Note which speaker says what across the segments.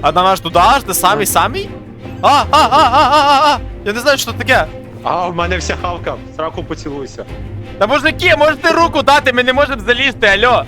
Speaker 1: А на наш туди аж, ти самий? Я не знаю, що це таке.
Speaker 2: А, в мене вся хавка. В сраку поцілуйся.
Speaker 1: Та мужики, можете руку дати, ми не можемо залізти, алло.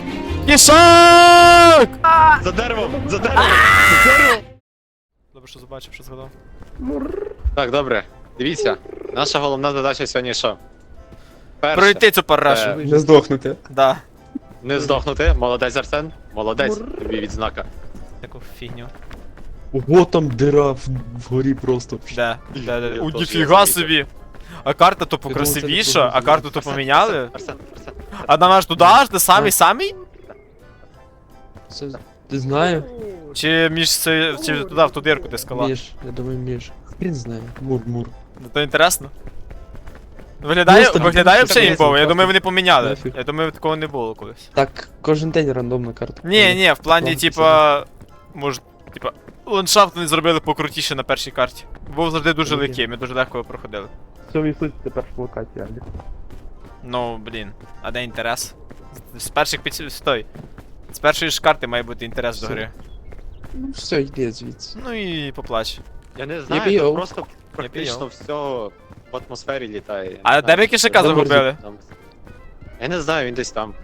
Speaker 1: Кішак!
Speaker 2: За деревом! За деревом! За деревом!
Speaker 1: Добре, що побачив, що згадав.
Speaker 2: Так, добре. Дивіться. Наша головна задача сьогодні що? Перше.
Speaker 1: Пройти цю парашу.
Speaker 3: Не здохнути.
Speaker 1: Да.
Speaker 2: Не здохнути. Молодець, Арсен. Молодець. Тобі відзнака.
Speaker 1: Таку фігню.
Speaker 3: Ого, там дира вгорі просто.
Speaker 1: Де?
Speaker 2: Я
Speaker 1: У,
Speaker 2: теж
Speaker 1: ніфіга
Speaker 2: замітив.
Speaker 1: собі. А карта то
Speaker 3: думав,
Speaker 1: покрасивіша,
Speaker 3: це
Speaker 1: а карту то
Speaker 2: Арсен,
Speaker 1: поміняли.
Speaker 2: Арсен.
Speaker 1: А на наш туди аж, ти самий?
Speaker 3: Це, ти знаю?
Speaker 1: Чи між це, чи туди в ту дирку ти скала?
Speaker 3: Між, я думаю, між. Хрін знає. Мур.
Speaker 1: Ну, то інтересно. Виглядає
Speaker 3: Просто
Speaker 1: взагалі
Speaker 3: просто
Speaker 1: імпово, я
Speaker 3: просто
Speaker 1: думаю, вони поміняли.
Speaker 3: нафіг.
Speaker 1: Я думаю, такого не було колись.
Speaker 3: Так, кожен день рандомна карта.
Speaker 1: Ні, в плані,
Speaker 3: Ладно,
Speaker 1: типа, може, типа, ландшафт вони зробили покрутіше на першій карті. Був завжди дуже
Speaker 3: Окей.
Speaker 1: легкий, ми дуже легко його проходили.
Speaker 3: Все відсутні тепер в локації, Алі.
Speaker 1: Ну, блін, а де інтерес? З перших стой. З першої ж карти має бути інтерес до
Speaker 3: Все.
Speaker 1: гри.
Speaker 3: Ну все, йди звідси.
Speaker 1: Ну і поплач.
Speaker 2: Я не знаю,
Speaker 3: пійов.
Speaker 2: тут просто
Speaker 1: пійов.
Speaker 2: практично все в атмосфері літає.
Speaker 1: А де ви кишака
Speaker 3: Де
Speaker 1: загубили?
Speaker 2: Там- Я не знаю, він десь там.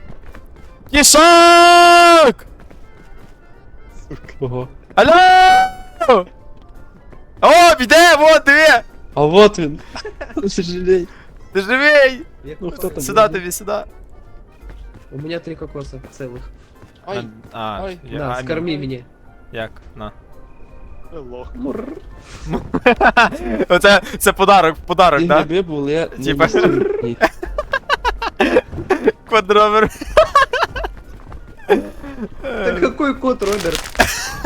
Speaker 1: Кішак!
Speaker 3: Ого.
Speaker 1: Алло! О, біде, вот, диви!
Speaker 3: А вот він. Сожалей.
Speaker 1: Ти живий!
Speaker 3: Ну хто там?
Speaker 1: Сюди тобі, сюди.
Speaker 4: У меня 3 кокоса целых.
Speaker 3: Ай,
Speaker 1: А,
Speaker 3: ай.
Speaker 4: На, скорми меня.
Speaker 1: Як? На.
Speaker 2: Лох.
Speaker 1: Це подарок,
Speaker 3: Ти
Speaker 1: так?
Speaker 3: гриби були, я не
Speaker 1: Типа.
Speaker 3: містив їх.
Speaker 1: Квадровер.
Speaker 4: Да какой кот, Роберт?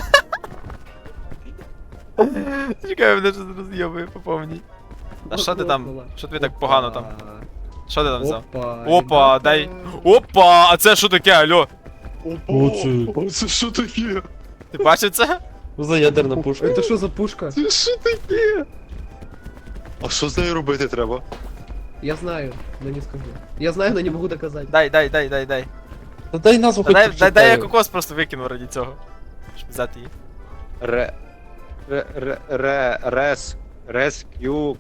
Speaker 1: Чекай, мене щось роз'єбує по повній. А що ти там? Що тобі так погано там? Що ти там взяв?
Speaker 4: Опа.
Speaker 1: Опа,
Speaker 4: ребята.
Speaker 1: дай. Опа, а це що таке, алло?
Speaker 3: Оце.
Speaker 2: Це що таке?
Speaker 1: Ти бачив це?
Speaker 3: Що за ядерна пушка?
Speaker 4: Это что за пушка?
Speaker 2: Це що таке? А що з нею робити треба?
Speaker 4: Я знаю, но не скажу. Я знаю, но не могу доказать.
Speaker 1: Дай.
Speaker 3: Та дай назву хоч
Speaker 1: Дай я
Speaker 3: прочитаю.
Speaker 1: кокос просто викину раді цього. Щоб взяти її.
Speaker 2: Рескю.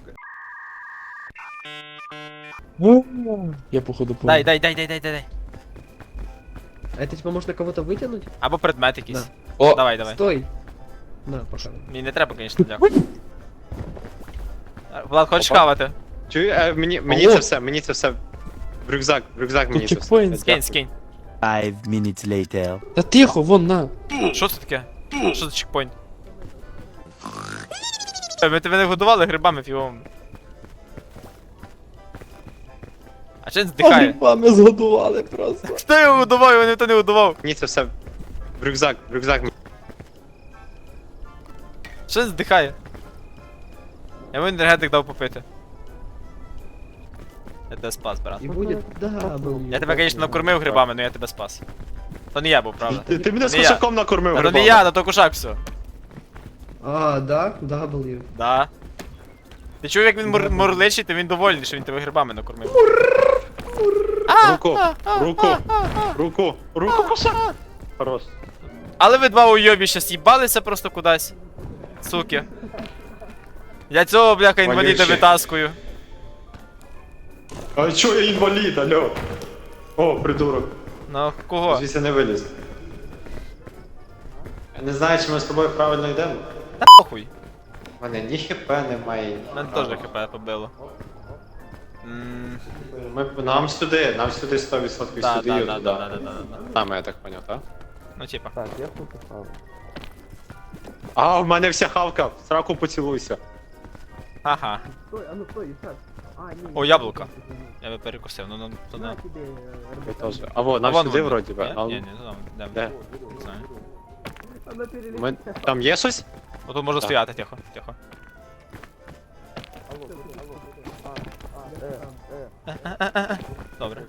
Speaker 3: Я походу помню.
Speaker 1: Дай.
Speaker 4: А это типа можно кого-то вытянуть?
Speaker 1: Або предмет якийсь.
Speaker 3: О,
Speaker 1: Давай.
Speaker 4: Стой. На, пока.
Speaker 1: Мені не треба, звісно, дякую. Влад, хочеш
Speaker 2: Опа.
Speaker 1: хавати?
Speaker 2: Чую, мені
Speaker 3: Алло.
Speaker 2: це все в рюкзак мені це все.
Speaker 3: чекпоінт.
Speaker 1: Скинь.
Speaker 5: 5 minutes later.
Speaker 3: Та тихо, вон на.
Speaker 1: Що це таке? Що за чекпоінт? Ми тебе не годували грибами фіговими. А чи він здихає?
Speaker 3: Грибами згодували просто.
Speaker 1: Хто його годував, його ніхто не годував.
Speaker 2: Мені це все в рюкзак мені.
Speaker 1: Що він здихає? Я йому енергетик дав попити. Я тебе спас, брат.
Speaker 4: И будет W.
Speaker 1: Я тебе, звісно, накормив грибами, але я тебе спас. То не я був, правда.
Speaker 2: Ти мене з
Speaker 1: Не я.
Speaker 2: кошаком накормив
Speaker 1: Та то не
Speaker 2: грибами.
Speaker 1: я, то кушак все.
Speaker 4: А, да? W.
Speaker 1: Да. Ти чув, як він мурличить, то він довольний, що він тебе грибами накормив.
Speaker 2: Руку, кошак. Хорош.
Speaker 1: Але ви два уйобі щас їбалися просто кудись. Суки. Я цього, бляха, інваліда
Speaker 2: Вонючий.
Speaker 1: витаскую.
Speaker 2: А чо я інвалід, алло? О, придурок.
Speaker 1: Ну, кого?
Speaker 2: Звідси не виліз. Я не знаю, чи ми з тобою правильно йдемо.
Speaker 1: Похуй.
Speaker 2: У мене ні хп немає.
Speaker 1: Мене теж хп побило.
Speaker 2: Нам сюди 100%
Speaker 1: Да.
Speaker 2: сюди і туди. Там, я так поняв, так?
Speaker 1: Ну, типа.
Speaker 3: Так, я тут поставив.
Speaker 2: А, в мене вся хавка, в сраку поцілуйся.
Speaker 1: Ага.
Speaker 4: Стой, а ну стой, Исаак. А, не,
Speaker 1: О, яблуко. Я би перекусив, ну, то не.
Speaker 4: На тебе,
Speaker 2: Я
Speaker 4: Роберт.
Speaker 2: теж. А во, нам
Speaker 1: Вон
Speaker 2: сюди
Speaker 1: вони.
Speaker 2: вроді би.
Speaker 1: Ні, не знаю, де.
Speaker 2: Де?
Speaker 1: Не знаю.
Speaker 4: Она перелетела.
Speaker 2: Ми... Там є щось?
Speaker 1: Отут можна
Speaker 2: Так.
Speaker 1: стояти, тихо. Добре.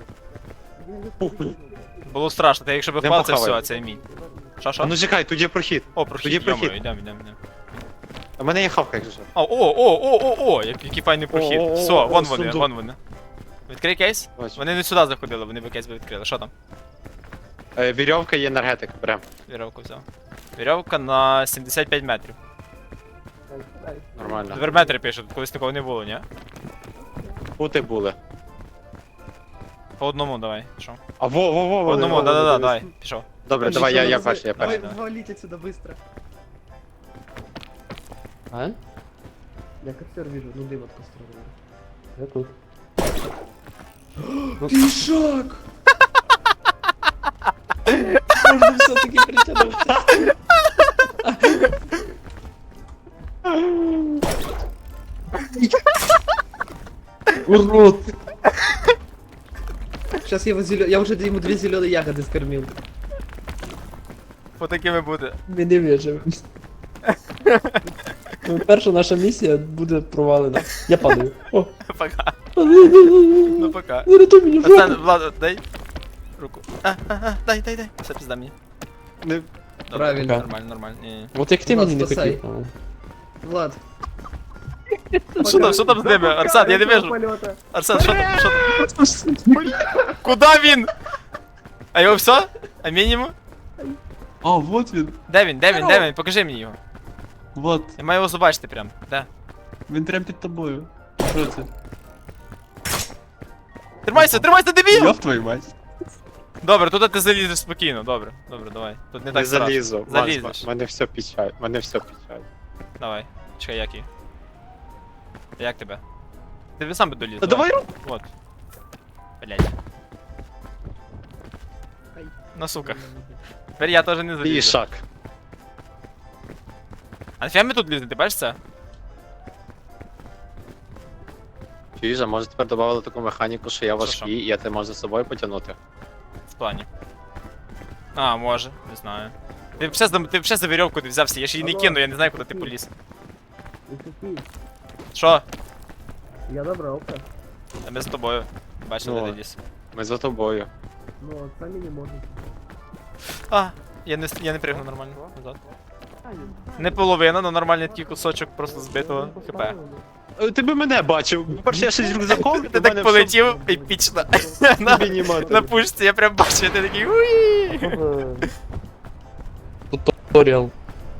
Speaker 1: Було страшно, та якщо б
Speaker 2: Йдемо
Speaker 1: впав, це
Speaker 2: похавай.
Speaker 1: все, це мій. Що,
Speaker 2: А
Speaker 1: що?
Speaker 2: ну чекай, тут є прохід.
Speaker 1: О,
Speaker 2: тоді
Speaker 1: прохід,
Speaker 2: прохід.
Speaker 1: йомаю, йдемо.
Speaker 2: У мене є хавка, якщо що.
Speaker 1: О, який файний прохід.
Speaker 2: О,
Speaker 1: Все,
Speaker 2: о,
Speaker 1: вон
Speaker 2: о,
Speaker 1: вони,
Speaker 2: сундук.
Speaker 1: вон вони. Відкрий кейс?
Speaker 2: Бачу.
Speaker 1: Вони не сюди заходили, вони би кейс би відкрили. Що там?
Speaker 2: Вірьовка і енергетик, берем.
Speaker 1: Вірьовку взяв. Вірьовка на 75 метрів.
Speaker 2: Нормально.
Speaker 1: Тепер метри пишуть, колись такого не було, ні?
Speaker 2: Пути були.
Speaker 1: По одному давай, пішов.
Speaker 2: А во.
Speaker 1: По одному, да-да-да, давай, пішов.
Speaker 2: Добре, давай, я перший, я
Speaker 4: Давай,
Speaker 2: перший.
Speaker 4: валить отсюда быстро.
Speaker 3: А?
Speaker 4: Я костер вижу, ну дым от костра.
Speaker 3: Я тут.
Speaker 4: Пішак!
Speaker 3: Можно все-таки притянуться. Урод!
Speaker 4: Сейчас я уже ему 2 зеленые ягоды скормил.
Speaker 1: По такими буде.
Speaker 3: Ми не виживемо. Ну, перша наша місія буде провалена. Я падаю. О!
Speaker 1: Пока. Ну пока.
Speaker 3: Не рятуй мені в
Speaker 1: Арсен,
Speaker 3: жопу!
Speaker 1: Влад, дай руку. Дай. Все, пізда мені.
Speaker 2: Не-
Speaker 1: Добре,
Speaker 4: Правильно.
Speaker 1: Нормально, нормально. Ні.
Speaker 3: От як ти
Speaker 4: Влад,
Speaker 3: мені не
Speaker 4: спасай.
Speaker 3: хотів.
Speaker 4: Влад.
Speaker 1: Що там з ними? Арсен, я не вижу. Арсен, що там? Куда він? А його все? А мінімум?
Speaker 3: А, вот він.
Speaker 1: Де він? Покажи мені його.
Speaker 3: Вот.
Speaker 1: Я маю його побачити прям. Де?
Speaker 3: Він прям під тобою. Що це?
Speaker 1: Тримайся, дебіл!
Speaker 3: Йоп твою мать.
Speaker 1: Добре, туди ти залізеш спокійно, добре, давай. Тут не
Speaker 2: Не
Speaker 1: так страшно.
Speaker 2: залізу.
Speaker 1: Залізеш.
Speaker 2: Мене все печаль. Мене все печаль.
Speaker 1: Давай, чекай, як її. Як тебе? Ти сам би доліз.
Speaker 2: Та давай руку.
Speaker 1: Вот. Блять.
Speaker 4: Ай.
Speaker 1: На суках. Тепер я теж не залізу.
Speaker 2: Пішак.
Speaker 1: А нафіга ми тут лізли, ти бачиш це?
Speaker 2: Чуєш, а може тепер додали таку механіку, що я
Speaker 1: Що?
Speaker 2: важкий, і я тебе можу з собою потягнути.
Speaker 1: В плані. А, може, не знаю. Ти вже за вірьовку ти взявся, я ж її не кину, я не знаю, куди ти поліз. Що?
Speaker 4: Я добрался.
Speaker 1: А ми з тобою. Бачили,
Speaker 2: Ну.
Speaker 1: де ти ліз.
Speaker 2: Ми за тобою.
Speaker 4: Но сами не можем.
Speaker 1: А, я не пригну нормально. Назад. Не половина, но нормальний такий кусочок просто збитого хп.
Speaker 2: Ти би мене бачив. По-перше, я ще з рюкзаком,
Speaker 1: Ти так полетів епічно. На пушці, я прям бачу, ти такий уї.
Speaker 3: Туторіал.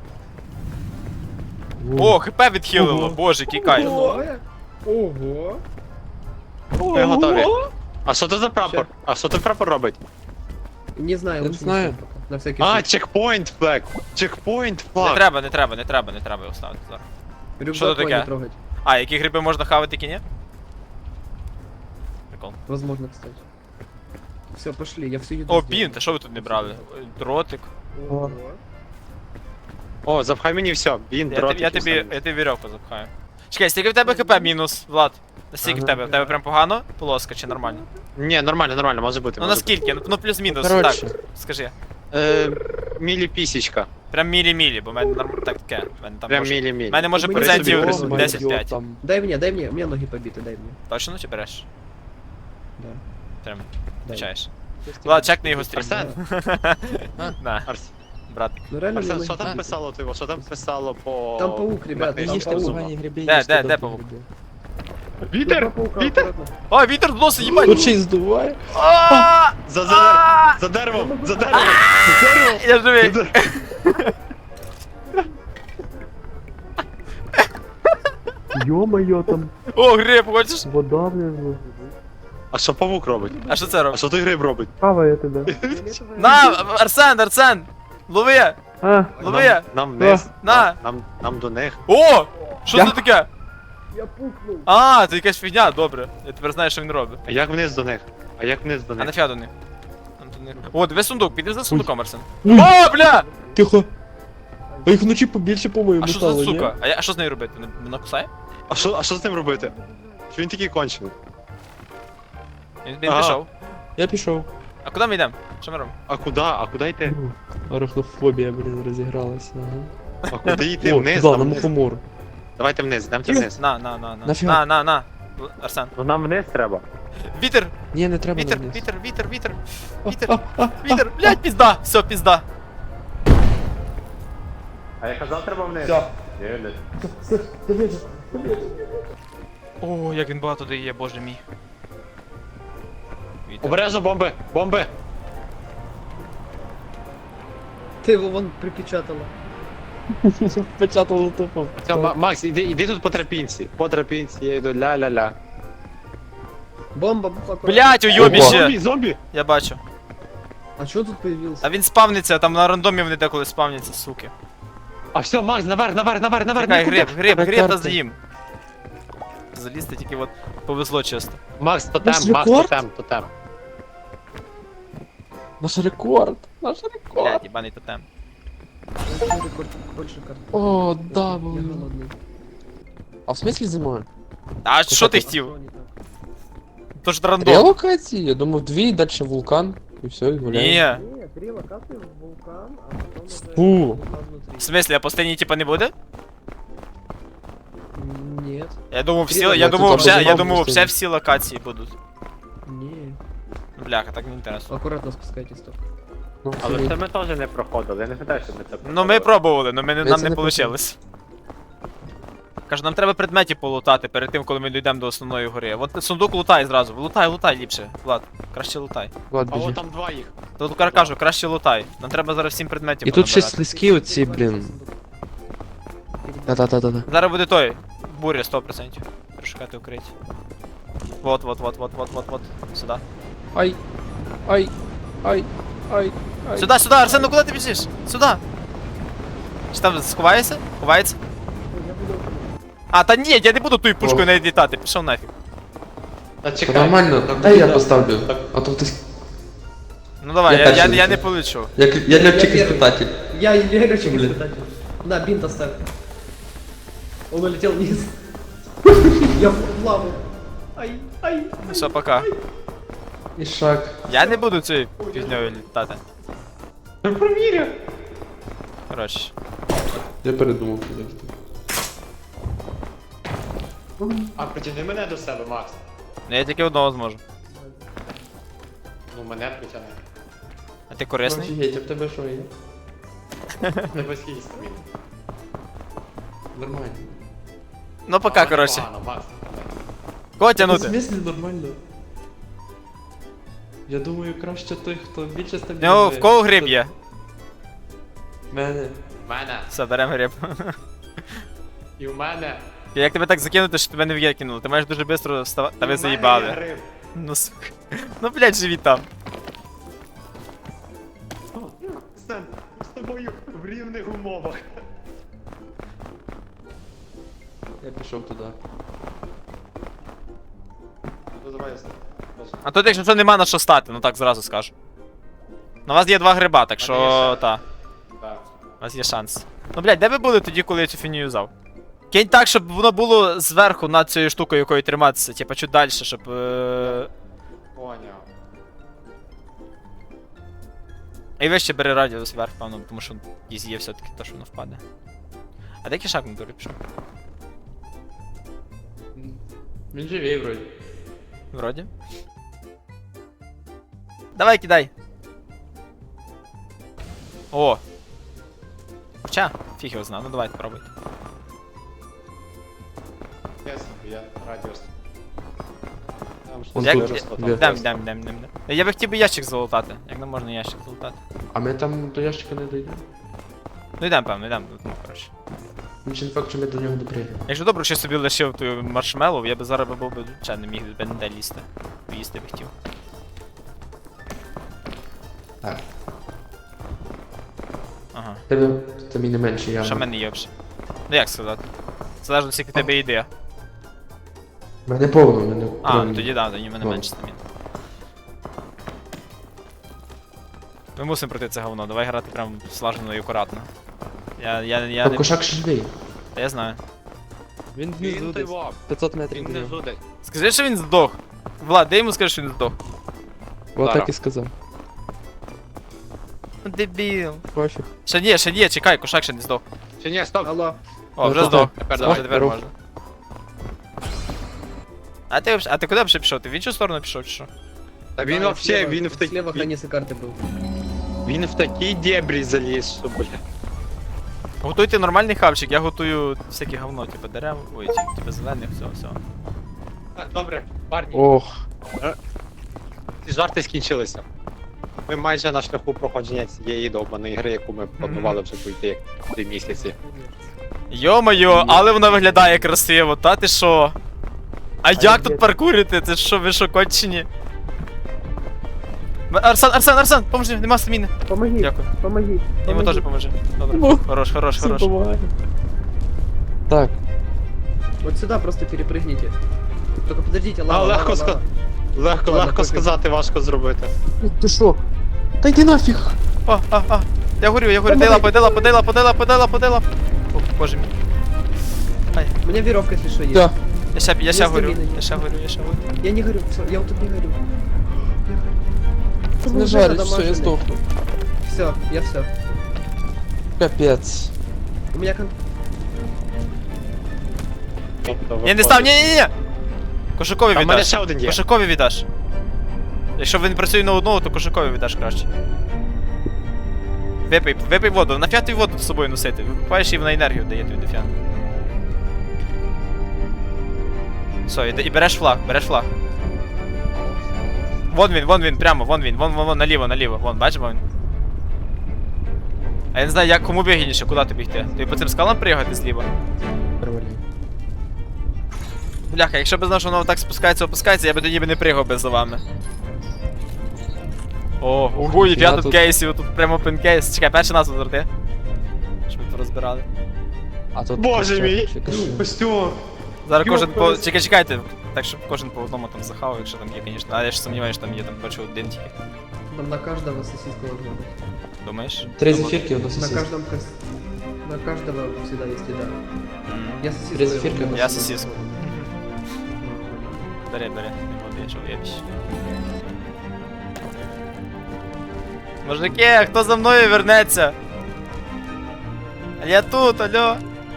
Speaker 1: О, хп відхилило, боже, який кайф.
Speaker 4: Ого.
Speaker 2: Ми готові. А що це за прапор? А що той прапор робить?
Speaker 4: Не знаю,
Speaker 3: Я не
Speaker 4: лучше
Speaker 3: знаю.
Speaker 4: ставь пока. На всякий
Speaker 2: А,
Speaker 4: случай.
Speaker 2: чекпоінт флаг. Чекпоінт
Speaker 1: Не
Speaker 2: флаг.
Speaker 1: треба його ставити зараз.
Speaker 4: Рюкзак
Speaker 1: Що це
Speaker 4: не
Speaker 1: таке?
Speaker 4: трогать.
Speaker 1: А, які гриби можна хавати, які ні? Прикол.
Speaker 4: Возможно, кстати. Все, пошли, я всю еду
Speaker 1: О,
Speaker 4: сделал.
Speaker 1: бінт, а що ви тут не брали? Дротик.
Speaker 4: Ого.
Speaker 2: О, запхай мені все. Він, дротик.
Speaker 1: Я тобі вірьовку запхаю. Чекай, скільки в тебе хп мінус, Влад? Наскільки в тебе? В тебе прям погано? Полоска чи нормально?
Speaker 2: Ні, нормально, може бути.
Speaker 1: Ну
Speaker 2: може бути.
Speaker 1: наскільки? Ну плюс-мінус,
Speaker 3: Коротше.
Speaker 1: так. Скажи.
Speaker 2: Мілі-пісічка.
Speaker 1: Прям мілі-мілі, бо в мене так таке. В мене там
Speaker 2: Прям
Speaker 1: може...
Speaker 2: мілі-мілі.
Speaker 1: В мене може
Speaker 4: Мені
Speaker 1: процентів
Speaker 4: собі
Speaker 1: 10-5.
Speaker 4: Дай мне, у меня ноги побиты, дай мне.
Speaker 1: Точно чи береш?
Speaker 4: Да.
Speaker 1: Прям
Speaker 4: Дай.
Speaker 1: включаєш. Влад, чекни його стрім.
Speaker 2: Арсен,
Speaker 1: На, братик.
Speaker 4: Ну реально
Speaker 2: Арсен,
Speaker 4: мне
Speaker 2: що
Speaker 4: ноги
Speaker 2: там
Speaker 4: побиты.
Speaker 2: писало ти? Що там писало по...
Speaker 4: Там паук, ребят,
Speaker 2: Мені
Speaker 4: там
Speaker 2: ж
Speaker 4: паук.
Speaker 2: зуба.
Speaker 1: Де паук?
Speaker 2: Вітер!
Speaker 4: Два паука
Speaker 2: Вітер!
Speaker 4: аккуратно.
Speaker 1: О, вітер в носи, їбать!
Speaker 3: Тут ще й здуває.
Speaker 1: А!
Speaker 2: За деревом! За деревом!
Speaker 1: Я живий!
Speaker 3: Йо-моє, там
Speaker 1: О, гриб, хочеш?
Speaker 3: вода внизу.
Speaker 2: А що павук робить?
Speaker 1: А що це
Speaker 2: А
Speaker 1: робить?
Speaker 2: що той гриб робить?
Speaker 3: Хаває тебе.
Speaker 4: Фиолетовая.
Speaker 1: На, Арсен! Лови!
Speaker 3: А,
Speaker 1: Лови!
Speaker 2: Нам вниз.
Speaker 1: На.
Speaker 2: Нам до них.
Speaker 1: О! Що це таке?
Speaker 4: Я пукнул.
Speaker 1: А, це якась фігня, добре. Я тепер знаю, що він робить.
Speaker 2: А як вниз до них? А як вниз до
Speaker 1: А
Speaker 2: них?
Speaker 1: нафіга до них? Там до них. О, диви сундук, піди за сундуком, Арсен.
Speaker 3: Ой.
Speaker 1: О, бля!
Speaker 3: тихо. А їх вночі побільше, по-моєму,
Speaker 1: А що
Speaker 3: стало,
Speaker 1: за
Speaker 3: ні?
Speaker 1: сука? А що з нею робити? Вона кусає?
Speaker 2: А що з ним робити? Що він такий кончений?
Speaker 1: Він
Speaker 2: Ага.
Speaker 1: пішов.
Speaker 3: Я пішов.
Speaker 1: А куди ми йдемо? Що ми робимо?
Speaker 2: А куди? А куди йти?
Speaker 3: Арахнофобія, блін, розігралася. Ага.
Speaker 2: А куди йти?
Speaker 3: О,
Speaker 2: Вниз?
Speaker 3: туди,
Speaker 2: Нам
Speaker 3: на
Speaker 2: вниз?
Speaker 3: мухомор.
Speaker 2: Давайте вниз, йдемте вниз.
Speaker 1: На.
Speaker 3: Нафіга?
Speaker 1: На. Арсен.
Speaker 2: Ну нам вниз треба.
Speaker 1: Вітер!
Speaker 3: Ні, не треба
Speaker 1: Вітер,
Speaker 3: на вниз.
Speaker 1: Вітер! Блядь, пізда! Все, пізда!
Speaker 2: А я казав, треба вниз.
Speaker 3: Все.
Speaker 1: О, як він багато дає, боже мій. Вітер.
Speaker 2: Обережно бомби! Бомби!
Speaker 4: Ти його вон припечатала.
Speaker 3: Печатало тупо.
Speaker 2: Все, Макс, іди тут по тропінці. По тропінці я йду ля-ля-ля.
Speaker 4: Бомба, аккуратно.
Speaker 1: Блять, уйобіще!
Speaker 2: Зомбі, зомбі!
Speaker 1: Я бачу.
Speaker 4: А чого тут появився?
Speaker 1: А він спавниться, там на рандомі вони деколи спавняться, суки.
Speaker 2: А все, Макс, наверх,
Speaker 1: Чекай,
Speaker 2: нікуди.
Speaker 1: гриб та
Speaker 3: карти.
Speaker 1: з'їм. Залізти тільки от повезло чисто.
Speaker 2: Макс, тотем,
Speaker 3: Наш
Speaker 2: Макс,
Speaker 3: рекорд?
Speaker 2: тотем.
Speaker 3: Наш рекорд. Наш рекорд.
Speaker 1: Блять, їбаний тотем.
Speaker 4: Рекорд, больше карт.
Speaker 3: О, да,
Speaker 4: Я
Speaker 3: блин.
Speaker 4: голодний.
Speaker 3: А в смысле зимою?
Speaker 1: А що ти
Speaker 4: А
Speaker 1: хотів?
Speaker 4: що не так?
Speaker 1: То ж
Speaker 3: Три
Speaker 1: рандом.
Speaker 3: локації? Я думав, дві, дальше вулкан. І все, і гуляємо.
Speaker 1: Ні.
Speaker 4: Ні, 3 локації, вулкан, а потім уже
Speaker 3: Фу.
Speaker 4: вулкан внутрі.
Speaker 1: В смысле, а постійні типа не буде?
Speaker 4: Ні.
Speaker 1: Я думав всі,
Speaker 4: Три
Speaker 1: я
Speaker 3: локації,
Speaker 1: думав
Speaker 3: там
Speaker 1: вже, я
Speaker 3: розібрав
Speaker 1: думав
Speaker 3: постійні.
Speaker 1: вже всі локації будуть.
Speaker 4: Ні.
Speaker 1: Бляха, так не інтересно.
Speaker 4: Акуратно спускайтесь так.
Speaker 3: Ну,
Speaker 2: Але
Speaker 3: окей.
Speaker 2: це ми теж не проходили, я не гадаю, що ми це проходили.
Speaker 1: Ну ми пробували, но
Speaker 3: Ми
Speaker 1: нам
Speaker 3: це
Speaker 1: не
Speaker 3: не
Speaker 1: вийшло. Кажу, нам треба предметів полутати перед тим, коли ми дійдемо до основної гори. От сундук лутай зразу. Лутай ліпше. Влад, краще лутай.
Speaker 3: Влад,
Speaker 2: А
Speaker 3: біжи.
Speaker 2: от там два їх.
Speaker 1: Тут кажу, краще лутай. Нам треба зараз всім предметів
Speaker 3: І тут ще
Speaker 1: понабирати.
Speaker 3: слизькі оці, блін. Да-да-да-да-да.
Speaker 1: Зараз буде той. Буря 100%. Прошукати укриття. Вот. Сюди.
Speaker 3: Ай. Ай. Ай. Ай. Ай.
Speaker 1: Сюди, Арсен, ну куди ти біжиш? Сюди. Чи там сховаєшся? Ховається? А, та ні, я не буду тою пушкою
Speaker 3: О.
Speaker 1: навіть літати, пішов нафіг.
Speaker 2: Та
Speaker 3: Та
Speaker 2: чекай.
Speaker 3: нормально,
Speaker 2: там
Speaker 3: дай я
Speaker 2: буде-
Speaker 3: поставлю.
Speaker 2: Так.
Speaker 3: А то хтось...
Speaker 1: Ну давай,
Speaker 3: Я
Speaker 1: я
Speaker 3: перший
Speaker 1: не
Speaker 3: лечу.
Speaker 1: полечу.
Speaker 3: Я летчик-испытатель.
Speaker 4: Я легочек
Speaker 3: Блин.
Speaker 4: испытатель. На, бинт оставь. Он улетел вниз. Я в лаву. Ай.
Speaker 1: Ну все, пока.
Speaker 3: І шаг.
Speaker 1: Я не буду цією пізньою літати.
Speaker 2: Ну провірю.
Speaker 1: Коротше.
Speaker 3: Я передумав підійти.
Speaker 2: А притягни мене до себе, Макс.
Speaker 1: Ну я тільки одного зможу.
Speaker 2: Ну мене притягни.
Speaker 1: А ти корисний?
Speaker 3: Офігеть, а в тебе що є?
Speaker 2: Не постійно стаміну.
Speaker 3: Нормально.
Speaker 1: Ну пока, коротше.
Speaker 2: Погано, Макс.
Speaker 1: Кого
Speaker 3: В
Speaker 1: тянути?
Speaker 3: смислі нормально? Я думаю, краще той, хто більше стабільний.
Speaker 1: Ну, в кого гриб є?
Speaker 3: Мене.
Speaker 2: Мене.
Speaker 1: Все, беремо гриб.
Speaker 2: І в мене.
Speaker 1: Як тебе так закинути, що тебе не викинули? Ти маєш дуже швидко вставати. Та ви
Speaker 2: І в мене є
Speaker 1: заїбали.
Speaker 2: гриб.
Speaker 1: Ну сука. Ну блядь, живіть там.
Speaker 2: Стен, з тобою в рівних умовах.
Speaker 3: Я пішов туди.
Speaker 2: Ну давай я стою.
Speaker 1: А тут якщо що нема на що стати, ну так зразу скажу. На вас є 2 гриба, так що
Speaker 2: Мене є шанс.
Speaker 1: та.
Speaker 2: Так.
Speaker 1: У вас є шанс. Ну блядь, де ви були тоді, коли я цю фінію юзав? Кинь так, щоб воно було зверху над цією штукою, якою триматися, типа чуть далі, щоб.
Speaker 2: Поняв.
Speaker 1: І вище бери радіус вверх, певно, тому що ізі є все-таки то, що воно впаде. А де кішак на дорі пішов?
Speaker 3: Він живий вроді.
Speaker 1: Вроді. Давай, кидай. О! Хоча, фіг його знає, ну давайте пробуйте.
Speaker 2: Я радіус. Там
Speaker 3: Он
Speaker 1: Як-
Speaker 3: тут.
Speaker 2: щось
Speaker 1: Дам. Я би хотів би ящик залутати. Як не можна ящик залутати?
Speaker 3: А ми там до ящика не дійдемо.
Speaker 1: Ну йдемо, певно, йдемо. Ну, коротше.
Speaker 3: Він не факт, що ми до нього доприїдемо.
Speaker 1: Якщо добре, що я собі лишив ту маршмеллоу, я би зараз був би ще не міг би ніде лізти. Поїсти би хотів.
Speaker 3: Так.
Speaker 1: Ага.
Speaker 3: Тебе там і не менше я.
Speaker 1: Що в мене є взагалі? Ну як сказати? Залежно скільки в тебе ідея.
Speaker 3: Мене повно, мене.
Speaker 1: А,
Speaker 3: прям-
Speaker 1: ну тоді да, тоді в мене
Speaker 3: Ну.
Speaker 1: менше стамін. Ми мусимо пройти це говно, давай грати прям слажено і акуратно. Я
Speaker 3: Там
Speaker 1: не...
Speaker 3: кошак ще живий.
Speaker 1: Та я знаю.
Speaker 3: Він
Speaker 2: Він той вов.
Speaker 3: 500
Speaker 2: Він
Speaker 3: метрів.
Speaker 2: не жудить.
Speaker 1: Скажи, що він здох. Влад, де йому скажи, що він здох.
Speaker 3: Отак
Speaker 2: Зараз.
Speaker 3: і сказав.
Speaker 1: Ну, дебіл.
Speaker 3: Пофіг.
Speaker 1: Ще ні, чекай, кошак ще не здох.
Speaker 2: Чи ні, стоп.
Speaker 4: Алло.
Speaker 1: О, вже
Speaker 3: Ну,
Speaker 1: здох.
Speaker 2: тепер
Speaker 1: Все,
Speaker 2: давай,
Speaker 1: вже тепер
Speaker 3: рух.
Speaker 1: можна. А ти куди вже пішов? Ти в іншу сторону пішов чи що?
Speaker 2: Та він
Speaker 4: Да,
Speaker 2: вообще,
Speaker 4: слева-
Speaker 2: він в
Speaker 4: Слева
Speaker 2: такі...
Speaker 4: хранится карты был.
Speaker 2: Він в такі дебрі заліз, що, бля.
Speaker 1: Готуйте нормальний хавчик, я готую всяке говно, типу дерев, ой, типу зелених, все.
Speaker 2: Добре, парні,
Speaker 3: Ох.
Speaker 2: ці жарти скінчилися. Ми майже на шляху проходження цієї довбаної гри, яку ми планували вже пройти 3 місяці.
Speaker 1: Йо-моє, але вона виглядає красиво, та ти що? А як тут паркурити? Це що, ви що, кончені? Арсен, поможи, нема стаміни.
Speaker 4: Помоги,
Speaker 1: Дякую.
Speaker 4: помоги.
Speaker 1: Йому теж поможи. Добре. Хорош.
Speaker 3: Так,
Speaker 4: Вот сюда просто перепрыгните. Только подождите,
Speaker 2: А,
Speaker 4: лава,
Speaker 2: легко
Speaker 4: лава, лава.
Speaker 2: Легко
Speaker 4: Ладно, пофіг.
Speaker 2: сказати, важко зробити.
Speaker 3: ти що? Та йди нафіг!
Speaker 1: Я горю, дай лапу. О, боже мій.
Speaker 4: У меня веревка, если что, есть.
Speaker 3: Да.
Speaker 1: Я ще
Speaker 4: Есть
Speaker 1: горю.
Speaker 4: стамина. Я не горю, всё, я вот тут не горю.
Speaker 3: Не жаль, все, я здохну.
Speaker 4: Все, я все.
Speaker 3: Капець.
Speaker 4: У меня
Speaker 2: Тобто,
Speaker 1: Я не став, ні. Кошикові
Speaker 2: Там в мене
Speaker 1: віддаш.
Speaker 2: ще один є.
Speaker 1: Кошикові віддаш. Якщо він працює на одного, то кошикові віддаш краще. Випий воду, нафіга тобі воду з собою носити. Випиваєш і вона енергію дає тобі дофіга. Все, і береш флаг. Вон він, прямо, вон, наліво, вон, бачиш, вон він. А я не знаю, як кому вигідніше, куди тобі йти. Тобі по цим скалам приїхати зліва? Бляха, якщо б знав, що воно так опускається, я би тоді не пригав би за вами. Ого, і я тут кейсів, тут прямо пінкейс. Чекай, перший нас розверти. Щоб ми порозбирали.
Speaker 3: А тут
Speaker 2: Боже мій!
Speaker 3: Костюм!
Speaker 1: Зараз кожен по... Чекайте, так щоб кожен по одному там захавав, якщо там є, звісно. Але я ж сумніваюся, що там є, там бачу один тільки.
Speaker 4: там на каждого сосиска должна быть.
Speaker 1: Думаєш?
Speaker 3: 3 зефірки, одна
Speaker 4: На
Speaker 3: сосиска.
Speaker 4: каждом на каждого всегда есть еда. Я сосиску.
Speaker 3: 3 зефірки, одна
Speaker 1: Я
Speaker 3: сосиска.
Speaker 1: сосиску. Бери, не води, що в'єбіш. Мужики, хто за мною вернеться? Я тут, алло.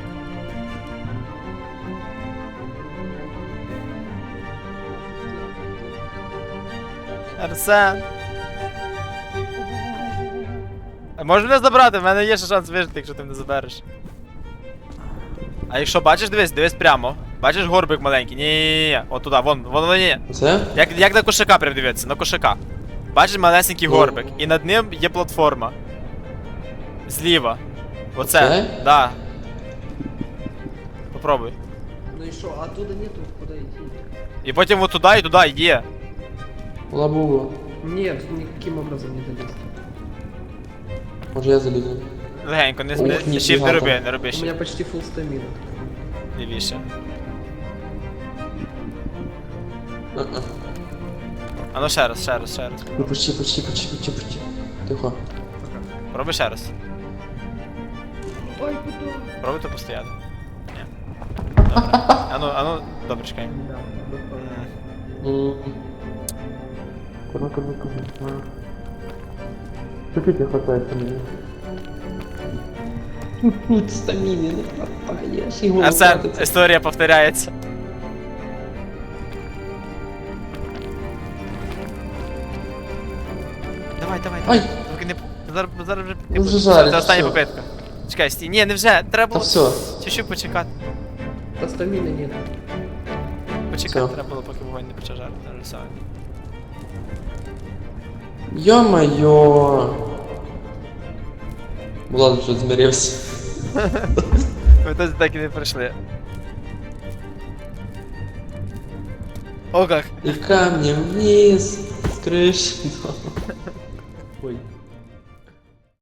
Speaker 1: Арсен. Можеш мене забрати, в мене є ще шанс вижити, якщо ти мене забереш. А якщо бачиш, дивись прямо. Бачиш горбик маленький? Ні. От туди, вон, ні.
Speaker 3: Це?
Speaker 1: Як на кошака прям дивитися, на кошака. Бачиш малесенький горбик, і над ним є платформа. Зліва. Оце.
Speaker 3: Оце?
Speaker 1: Да. Попробуй.
Speaker 4: Ну и что, оттуда нету, куда идти?
Speaker 1: І потім от туди і туди є.
Speaker 3: Лабуба.
Speaker 4: Нет, никаким образом не долезть.
Speaker 3: Може я залізу.
Speaker 1: Легенько, не
Speaker 3: Ух,
Speaker 1: shift
Speaker 3: ніфіга
Speaker 1: не роби,
Speaker 3: там.
Speaker 1: не роби
Speaker 4: У меня
Speaker 1: shift.
Speaker 4: почти full стамина.
Speaker 1: Лівіше.
Speaker 3: А-а.
Speaker 1: А ну ще раз.
Speaker 3: Ну почти. Тихо.
Speaker 1: Пробуй ще раз.
Speaker 4: Ой, куда?
Speaker 1: Пробуйте постояти. Ні. Добре. А ну, добре, чекай.
Speaker 4: Да, вот так.
Speaker 3: Курва. Чуть-чуть не хватает стамины. Тут стамины не хватает.
Speaker 1: Арсен, історія повторяється. Давай.
Speaker 3: Ай!
Speaker 1: Поки не... Зараз вже...
Speaker 3: Ну, вже жарить,
Speaker 1: Це остання
Speaker 3: всё.
Speaker 1: попитка. Чекай, стій. Ні, не вже. Треба
Speaker 3: Та
Speaker 1: було
Speaker 3: все.
Speaker 1: чуть-чуть почекати.
Speaker 4: Да стамины нет.
Speaker 1: Почекати
Speaker 3: Всё.
Speaker 1: треба було, поки вогонь не почав жарити. Все.
Speaker 3: Ё-моё! Влад вже змирився.
Speaker 1: Ми тут так і не прийшли. О, как.
Speaker 3: И камнем вниз с крыши. Ой.